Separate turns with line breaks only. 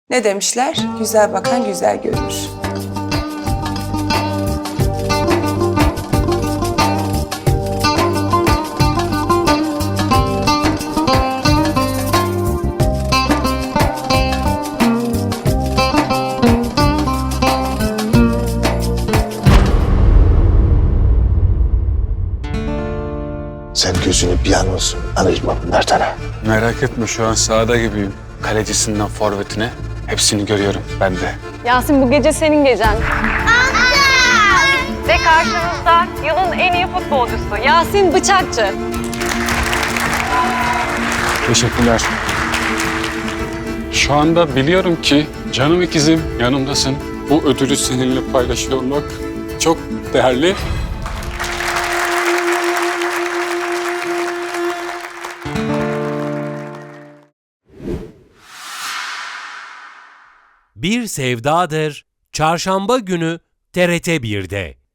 Ne demişler? Güzel bakan güzel görür.
Sen gözünü bir an olsun alışma bunlardan ha.
Merak etme, şu an sahada gibiyim. Kalecisinden forvetine hepsini görüyorum ben de.
Yasin, bu gece senin gecen. Ve karşınızda yılın en iyi futbolcusu Yasin Bıçakçı.
Teşekkürler. Şu anda biliyorum ki canım ikizim yanımdasın. Bu ödülü seninle paylaşıyor olmak çok değerli.
Bir Sevdadır Çarşamba günü TRT 1'de.